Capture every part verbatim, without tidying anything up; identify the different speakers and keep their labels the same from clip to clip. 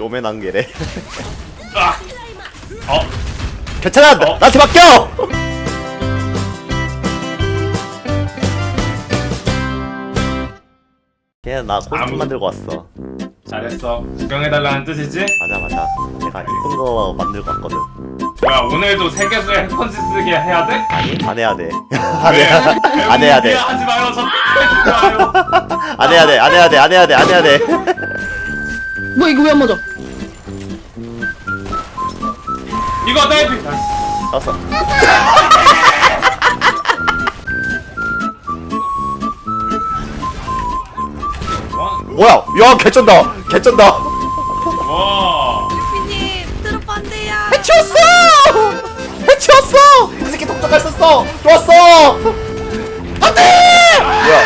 Speaker 1: 쪼맨한 게래.
Speaker 2: 아! 어?
Speaker 1: 괜찮아!
Speaker 2: 어?
Speaker 1: 나한테 맡겨! 걔는 나 코스튬
Speaker 2: 아무-
Speaker 1: 만들고 왔어.
Speaker 2: 잘했어. 구경해달라는 뜻이지?
Speaker 1: 맞아 맞아. 내가 이쁜 거 만들고 왔거든.
Speaker 2: 뭐야, 오늘도 세계수의 핵펀치 쓰게 해야 돼?
Speaker 1: 아니 안 해야 돼. 안
Speaker 2: 왜?
Speaker 1: 해야 안 해야 돼.
Speaker 2: 하지 마요. 저 삐끗하지 마요.
Speaker 1: 안 해야 돼. 안 해야 돼. 안 해야 돼. 안 해야 돼.
Speaker 3: 뭐 이거 왜 안 맞아?
Speaker 2: 이거 딸피.
Speaker 1: 알았어. 뭐야? 야 개쩐다. 개쩐다.
Speaker 2: 와.
Speaker 4: 피님 트로프 안 돼요.
Speaker 1: 해치웠어! 해치웠어! 그 새끼 독자갈 썼어! 좋았어! 안 돼! 뭐야?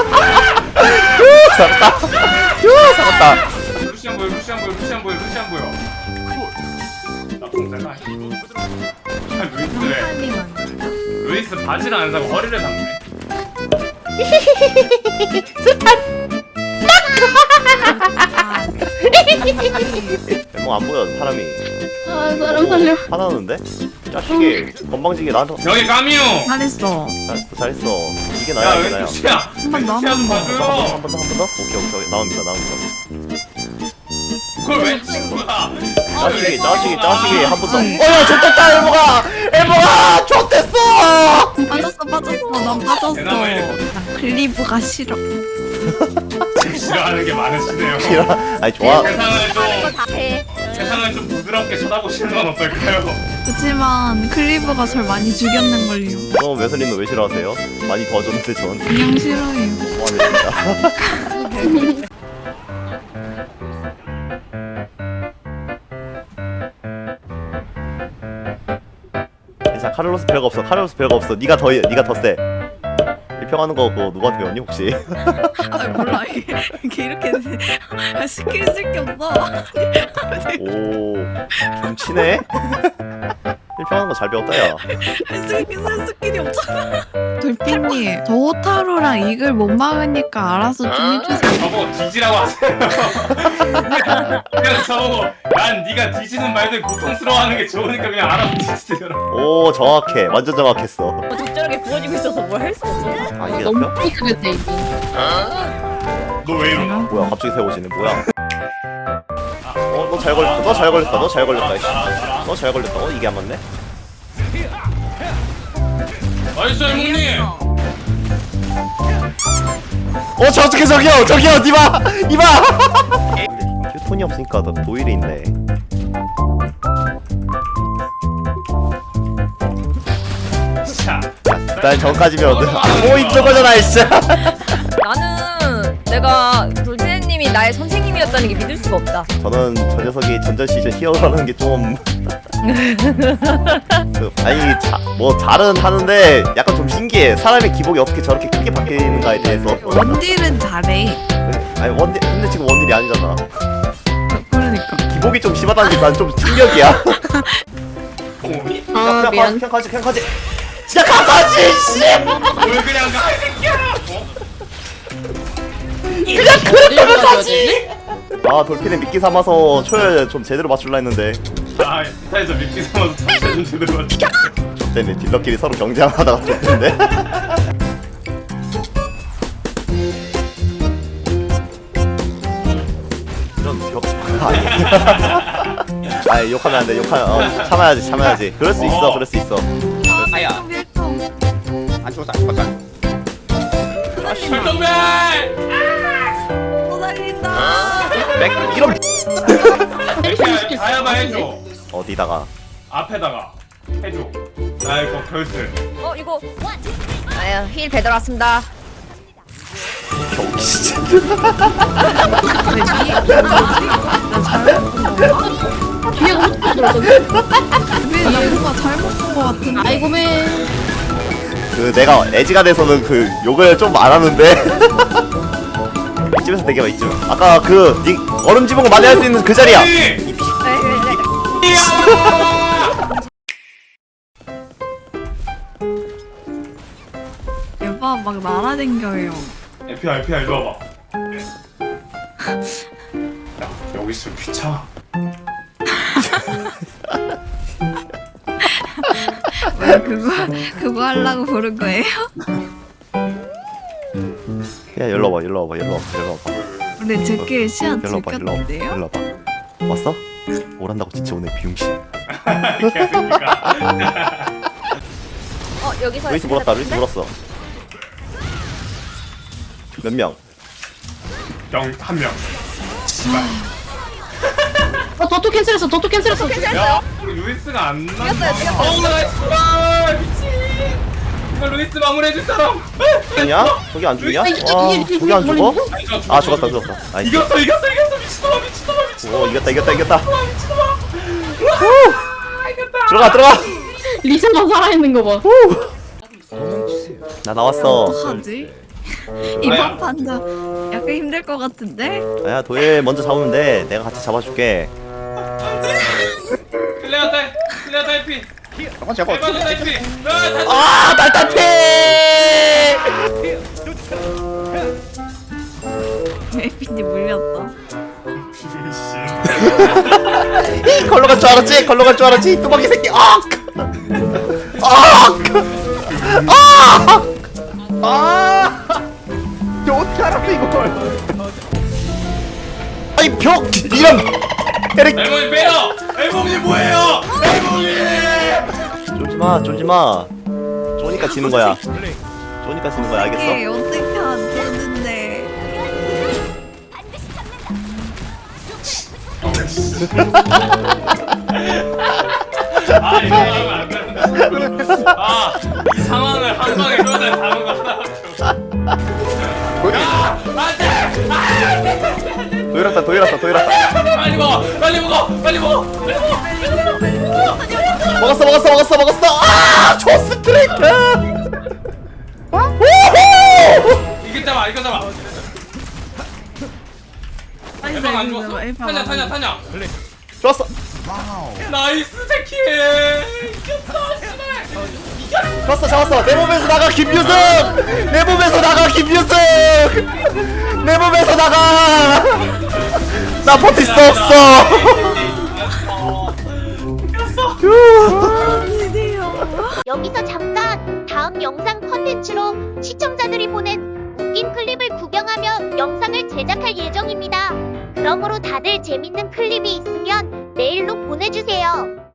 Speaker 1: 휴, 살았다. 휴, 살았다.
Speaker 2: 루시안 보여, 루시안 보여, 루시안 보여, 루시안 보여. 나쁜 잘 봐. 루이스 왜?
Speaker 4: 타이밍 안 돼.
Speaker 2: 루이스 바지를 안 사고 허리를 샀네.
Speaker 1: 뭐 안 보여 사람이.
Speaker 3: 아 사람 살려.
Speaker 1: 화나는데? 자식이 건방지게 나한테.
Speaker 2: 여기 까미요.
Speaker 4: 잘했어.
Speaker 1: 잘했어 잘했어. 이게 나야
Speaker 2: 야,
Speaker 1: 이게
Speaker 2: 왜
Speaker 1: 나야.
Speaker 2: 루시야?
Speaker 4: 번 더,
Speaker 2: 루시안
Speaker 4: 한 번
Speaker 2: 봐줘요.
Speaker 1: 한 번 더 한 번 더? 오케이 오케이 나옵니다 나옵니다.
Speaker 2: 그걸 왜 친구야?
Speaker 1: 자식이 자식이 자식이 한 번 더.
Speaker 4: 아니.
Speaker 1: 어야 좋댔다 엘보가 엘보가 좋댔어.
Speaker 4: 빠졌어 빠졌어. 난 빠졌어.
Speaker 2: 대나무 이래.
Speaker 4: 난 클리브가 싫어.
Speaker 2: 싫어하는 게 많으시네요.
Speaker 1: 아니 좋아.
Speaker 2: 세상을 좀
Speaker 4: 다 해.
Speaker 2: 세상을 좀 부드럽게 쳐다보시는 건 어떨까요?
Speaker 4: 그렇지만 클리브가 절 많이 죽였는 걸요.
Speaker 1: 그럼 웨슬리는 왜 싫어하세요? 많이 도와줬는데 전.
Speaker 4: 그냥 싫어요.
Speaker 1: 뭐하네 진짜. 자 카를로스 별거 없어. 카를로스 별거 없어. 네가 더 네가 더 세. 일평하는 거 그거 누구한테 배웠니 혹시?
Speaker 4: 아 몰라 이게, 이게 이렇게 스킬 쓸 게 없어.
Speaker 1: 오좀 치네. 일평하는 거 잘 배웠다 야.
Speaker 4: 스킬 쓸 스킬이 없잖아. 돌핀님 저 호타루랑 이글 못 막으니까 알아서 좀 해주세요.
Speaker 2: 저보고 뒤지라고 하세요. 그냥 저보고 난 네가 뒤지는 말들 고통스러워하는 게 좋으니까 그냥 알아서 뒤지더라.
Speaker 1: 오 정확해. 완전 정확했어.
Speaker 5: 적절하게 구워지고 있어서 뭘 할 수 없어.
Speaker 1: 아 이게
Speaker 3: 너무
Speaker 1: 잡혀?
Speaker 3: 삐끗했대 이거.
Speaker 2: 너 왜 이러나?
Speaker 1: 뭐야 갑자기 세워지네 뭐야? 어 너 잘 걸렸다. 너 잘 걸렸다. 너 잘 걸렸다. 이씨. 너 잘 걸렸다. 어 이게 안 맞네?
Speaker 2: 나이스 형님.
Speaker 1: 어 저쪽에 저기요 저기요 니마 니마. 휴톤이 없으니까 너 도일이 있네.
Speaker 2: 자,
Speaker 1: 난 전까지면 뭐 있는 거잖아 진짜.
Speaker 5: 나는 내가 돌진님이 나의 선생님이었다는 게 믿을 수가 없다.
Speaker 1: 저는 저 녀석이 전전 시즌 히어로라는 게 좀 그, 아니 자, 뭐 잘은 하는데 약간 좀 신기해. 사람의 기복이 어떻게 저렇게 크게 바뀌는가에 대해서.
Speaker 4: 원딜은 잘해.
Speaker 1: 아니 원딜 근데 지금 원딜이 아니잖아.
Speaker 4: 그러니까.
Speaker 1: 기복이 좀 심하다는 게 난 좀 충격이야.
Speaker 2: 곰이?
Speaker 3: 아 미안.
Speaker 1: 그냥 가지 그냥 가지. 진짜 가지 씨.
Speaker 2: 뭘 그냥 가? 이 새끼야. 어?
Speaker 1: 그냥 그렇다면 가지. 아 돌핀에 미끼 삼아서 초열 좀 제대로 맞출라 했는데.
Speaker 2: 아, 스타에서 미끼 삼아서 다시 좀 제대로 맞춰.
Speaker 1: 좋대네. 딜러끼리 서로 경쟁하다가 좋던데. 이런 벽 아니. 아니 욕하면 안돼. 욕하면 어, 참아야지 참아야지. 그럴 수 있어 그럴 수 있어.
Speaker 4: 아야. 밀통.
Speaker 6: 안 죽었어 안 죽었어.
Speaker 2: 철동배!
Speaker 4: 못 살린다.
Speaker 1: 백 이런
Speaker 2: 이렇게 다야마 해줘.
Speaker 1: 어디다가
Speaker 2: 앞에다가 해줘. 나 이거 결승.
Speaker 5: 어 이거 아유 힐 배달 왔습니다.
Speaker 1: 경기 진짜.
Speaker 4: 나 잘못 본 건가?
Speaker 3: 뒤에 엄청 들었거든.
Speaker 4: 왜 나보가 잘못 본 거 같은데?
Speaker 3: 아이고 맨.
Speaker 1: 그 내가 애지가 돼서는 그 욕을 좀 안 하는데. 이쯤에서 되게 봐 이쯤. 아까 그 니, 얼음 집은 거 많이 할 수 있는 그 자리야.
Speaker 2: 네.
Speaker 4: 얘봐 막 날아댕겨요.
Speaker 2: 에피아 에피아 이리 와봐. 야 여기 있으면 귀찮아.
Speaker 4: 왜 그거 그거 하려고 부른 거예요?
Speaker 1: 야 일로 와봐 일로 와봐 일로 와봐 일로 와봐
Speaker 4: 근데 제끼리 시간
Speaker 1: 일로 와봐 일로 와봐
Speaker 4: 들켰는데요?
Speaker 1: 일로 와봐. 왔어? 오란다고 진짜 오늘 비용신.
Speaker 2: 개새끼가.
Speaker 5: 어 여기서
Speaker 1: 루이스 물었다 루이스 물었어. 몇 명?
Speaker 2: 영한 명.
Speaker 3: 어 도토 캔슬했어 도토 캔슬했어
Speaker 2: 야, 우리 루이스가 안 나.
Speaker 5: 죽였어요, 죽였어요.
Speaker 2: 어, 나이스. 아, 미친. 이거 루이스 마무리해 줄 사람.
Speaker 1: 죽냐? 저기 안 죽냐?
Speaker 3: 아, 이게-
Speaker 1: 와
Speaker 3: 이게-
Speaker 1: 저기 안 죽어?
Speaker 2: 아니, 저
Speaker 1: 아 죽었다 죽었다. 나이스.
Speaker 2: 이겼어, 이겼어, 이겼어. 미친놈아, 미친놈아, 미친놈아.
Speaker 1: 오 이겼다 이겼다 이겼다.
Speaker 2: 미친놈아. 아, 이겼다.
Speaker 1: 들어가 들어가.
Speaker 3: 리세만 살아있는 거봐
Speaker 1: 나 나왔어.
Speaker 4: 어떡하지? 이번 판도 약간 힘들 것 같은데?
Speaker 1: 야 도일 먼저 잡으면 돼. 내가 같이 잡아줄게.
Speaker 2: 클레어 딸, 클레어 딸피.
Speaker 6: 잠깐 제가
Speaker 2: 대박 딸피. 아, 다
Speaker 1: 아 날타피.
Speaker 4: 에피님 물렸다.
Speaker 1: 걸로 갈 줄 알았지? 걸로 갈 줄 알았지? 뚜벅이 새끼. 아! 아! 아! 아! 저 어떻게 알았어 이걸? 아이 벽 이런 에릭
Speaker 2: 엘몽이 빼요. 엘몽이 뭐예요? 엘몽이.
Speaker 1: 쫄지 마, 쫄지 마. 쫄니까 지는 거야. 쫄니까 지는 거야,
Speaker 4: 이게
Speaker 1: 알겠어?
Speaker 4: 어떻게 안 되는데?
Speaker 2: 아, 이거 하면 안 되는데. 아, 이 상황을 한 방에 끌어내 다른 거 하나밖에 없어. 안 돼!
Speaker 1: 도일았다, 도일았다, 도일았다.
Speaker 2: 빨리 먹어! 빨리 먹어! 빨리 먹어! 빨리 먹어!
Speaker 1: 먹었어, 먹었어, 먹었어, 먹었어. 아, 조스 트레이크. 우후!
Speaker 2: 이거 잡아, 이거 잡아.
Speaker 4: 빨리
Speaker 2: 에방 안
Speaker 4: 살려줘,
Speaker 2: 죽었어?
Speaker 4: 에방
Speaker 2: 타냐,
Speaker 4: 안
Speaker 2: 타냐, 타냐.
Speaker 1: 좋았어.
Speaker 2: 나이스 새끼. 이겼어, 씨발.
Speaker 1: 좋았어, 잡았어. 내 몸에서 나가 김유승. 내 몸에서 나가 김유승. 내 몸에서 나가. 나 버틸 수 없어.
Speaker 7: 여기서 잠깐 다음 영상 컨텐츠로 시청자들이 보낸 웃긴 클립을 구경하며 영상을 제작할 예정입니다. 그러므로 다들 재밌는 클립이 있으면 메일로 보내주세요.